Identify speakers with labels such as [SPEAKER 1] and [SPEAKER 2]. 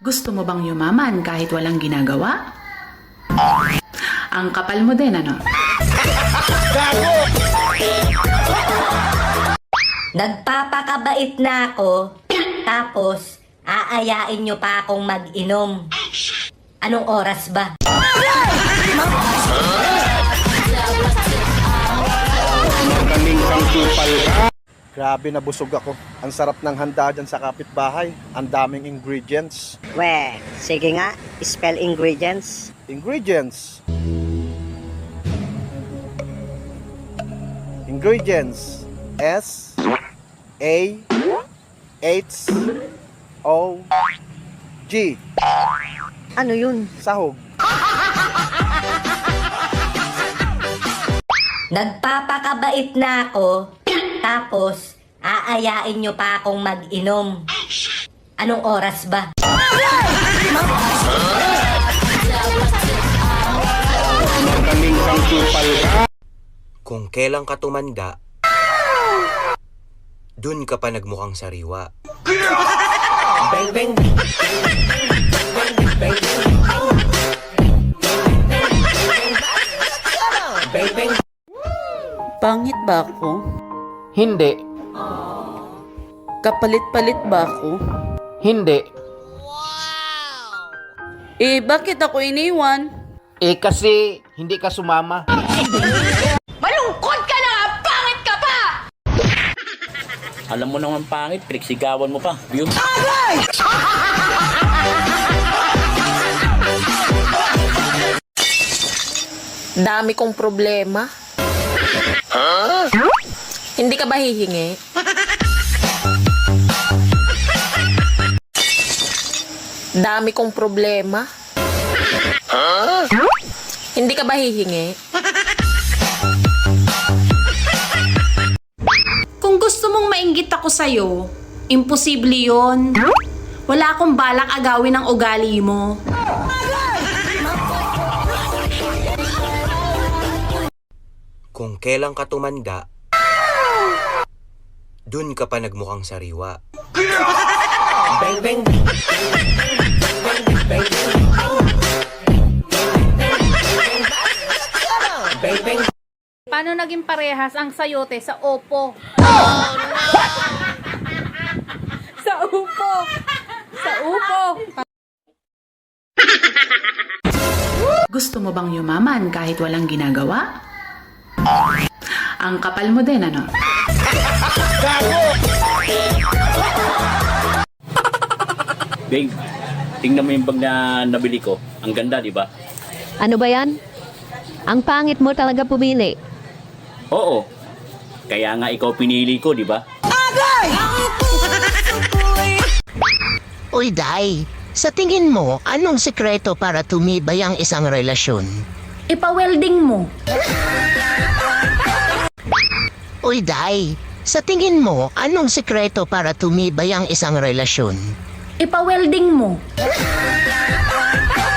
[SPEAKER 1] Gusto mo bang yumaman kahit walang ginagawa? Ang kapal mo din, ano?
[SPEAKER 2] Nagpapakabait na ako, tapos aayain nyo pa akong mag-inom. Anong oras ba?
[SPEAKER 3] Grabe, nabusog ako. Ang sarap ng handa dyan sa kapitbahay. Ang daming ingredients.
[SPEAKER 2] We, sige nga, spell ingredients.
[SPEAKER 3] Ingredients. Ingredients. S A H O G.
[SPEAKER 2] Ano yun?
[SPEAKER 3] Sahog.
[SPEAKER 2] Nagpapakabait na ako, tapos aayain nyo pa akong mag-inom. Anong oras ba?
[SPEAKER 4] Kung kailan ka tumanda, dun ka pa nagmukhang sariwa.
[SPEAKER 5] Pangit ba ako?
[SPEAKER 6] Hindi.
[SPEAKER 5] Kapalit-palit ba ako?
[SPEAKER 6] Hindi.
[SPEAKER 5] Bakit ako iniwan?
[SPEAKER 6] Kasi hindi ka sumama.
[SPEAKER 7] Malungkot ka na! Pangit ka pa!
[SPEAKER 8] Alam mo naman pangit, pinagsisigawan mo pa. View?
[SPEAKER 7] Dami kong problema. Hindi ka ba hihingi? Dami kong problema. Hindi ka ba hihingi?
[SPEAKER 1] Kung gusto mong mainggit ako sa'yo, imposible yon. Wala akong balak agawin ang ugali mo.
[SPEAKER 4] Kung kailan ka tumanda, dun ka pa nagmukhang sariwa.
[SPEAKER 9] Paano naging parehas ang sayote sa Oppo? Sa Oppo! Sa Oppo!
[SPEAKER 1] Gusto mo bang yumaman kahit walang ginagawa? Ang kapal mo din, ano?
[SPEAKER 8] Babe, tingnan mo yung bag na nabili ko. Ang ganda, di ba?
[SPEAKER 10] Ano ba yan? Ang pangit mo talaga pumili.
[SPEAKER 8] Oo. Kaya nga ikaw pinili ko, di ba?
[SPEAKER 11] Uy, Day, sa tingin mo, anong sekreto para tumibay ang isang relasyon?
[SPEAKER 1] Ipa-welding mo.
[SPEAKER 11] Uy, Day, sa tingin mo, anong sekreto para tumibay ang isang relasyon?
[SPEAKER 1] Ipa-welding mo.